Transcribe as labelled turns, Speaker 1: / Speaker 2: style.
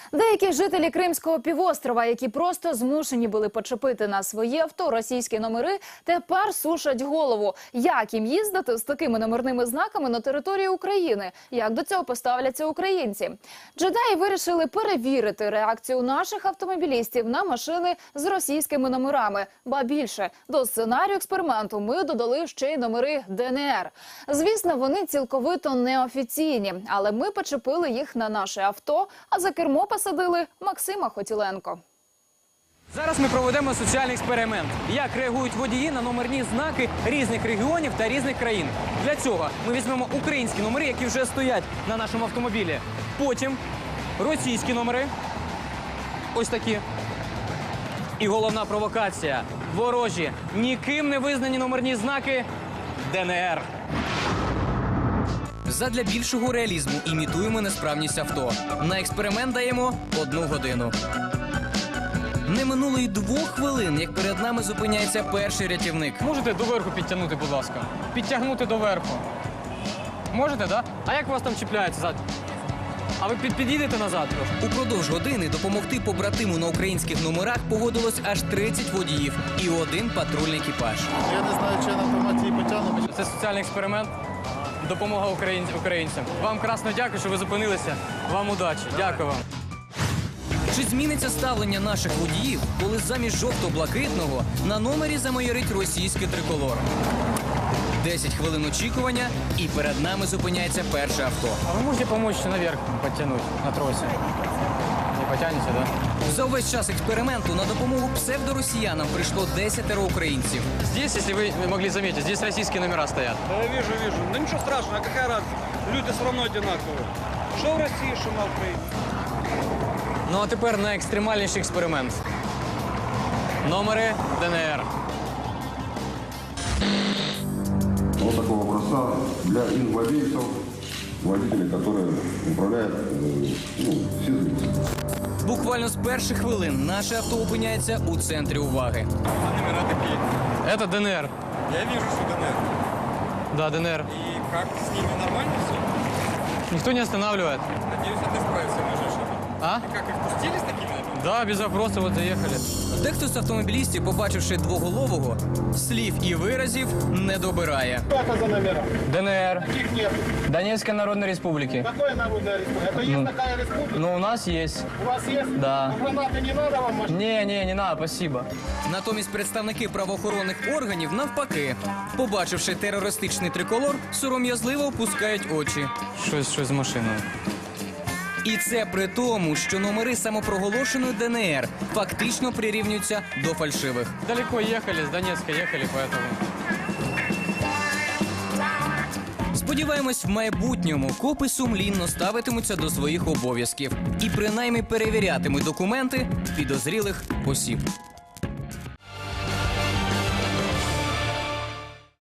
Speaker 1: Деякі жителі Кримського півострова, які просто змушені були почепити на свої авто російські номери, тепер сушать голову. Як їм їздити з такими номерними знаками на території України? Як до цього поставляться українці? Джедаї вирішили перевірити реакцію наших автомобілістів на машини з російськими номерами. Ба більше, до сценарію експерименту ми додали ще й номери ДНР. Звісно, вони цілковито неофіційні, але ми почепили їх на наше авто, а за кермо посадили Максима Хотіленко.
Speaker 2: Зараз ми проведемо соціальний експеримент. Як реагують водії на номерні знаки різних регіонів та різних країн. Для цього ми візьмемо українські номери, які вже стоять на нашому автомобілі. Потім російські номери. Ось такі. І головна провокація. Ворожі, ніким не визнані номерні знаки ДНР. Задля більшого реалізму імітуємо несправність авто. На експеримент даємо 1 годину. Не минуло й 2 хвилин, як перед нами зупиняється перший рятівник. Можете доверху підтягнути, будь ласка? Підтягнути доверху. Можете, так? Да? А як вас там чіпляється ззаду? А ви під'їдете назад трошки? Упродовж години допомогти побратиму на українських номерах погодилось аж 30 водіїв і 1 патрульний екіпаж.
Speaker 3: Я не знаю, чи я на автоматі її потягну.
Speaker 2: Це соціальний експеримент. Допомога українцям. Вам красно дякую, що ви зупинилися. Вам удачі. Дякую вам. Чи зміниться ставлення наших водіїв, коли замість жовто-блакитного на номері замайорить російський триколор? 10 хвилин очікування, і перед нами зупиняється перше авто. А ви можете допомогти наверх підтягнути на тросі? Не потягнете, так? Да? За увесь час експерименту на допомогу псевдоросіянам прийшло 10 українців. Здесь, если вы могли заметить, здесь российские номера стоят.
Speaker 4: Да, я вижу. Да ничего страшного, а какая разница? Люди все равно одинаковые. Что в России, что на Украине.
Speaker 2: Ну а тепер на екстремальніший експеримент. Номери ДНР.
Speaker 5: Вот такого образца для инвладельцев, водителей, которые управляют физлицами.
Speaker 2: Буквально з перших хвилин наше авто опиняється у центрі уваги.
Speaker 4: А номера такие?
Speaker 2: Это ДНР.
Speaker 4: Я вижу, что ДНР.
Speaker 2: Да, ДНР.
Speaker 4: И как, с ними нормально все?
Speaker 2: Никто не останавливает.
Speaker 4: Надеюсь, а ты справишься, можешь.
Speaker 2: А?
Speaker 4: И как, их пустили с такими?
Speaker 2: Да, без вопросов, вот заехали. Дехто з автомобілістів, побачивши двоголового, слів і виразів не добирає.
Speaker 3: Что это за номера?
Speaker 2: ДНР.
Speaker 3: Таких нет.
Speaker 2: Донецкой Народной Республики.
Speaker 3: Какая народная республика? Это есть такая республика?
Speaker 2: Ну, у нас есть.
Speaker 3: У вас есть?
Speaker 2: Да.
Speaker 3: А гранаты не надо вам машина?
Speaker 2: Не надо, спасибо. Натомість представники правоохоронних органів навпаки, побачивши терористичний триколор, сором'язливо опускають очі. Щось з машиною. І це при тому, що номери самопроголошеної ДНР фактично прирівнюються до фальшивих. Далеко їхали, з Донецька їхали, поэтому. Сподіваємось, в майбутньому копи сумлінно ставитимуться до своїх обов'язків і принаймні перевірятимуть документи підозрілих осіб.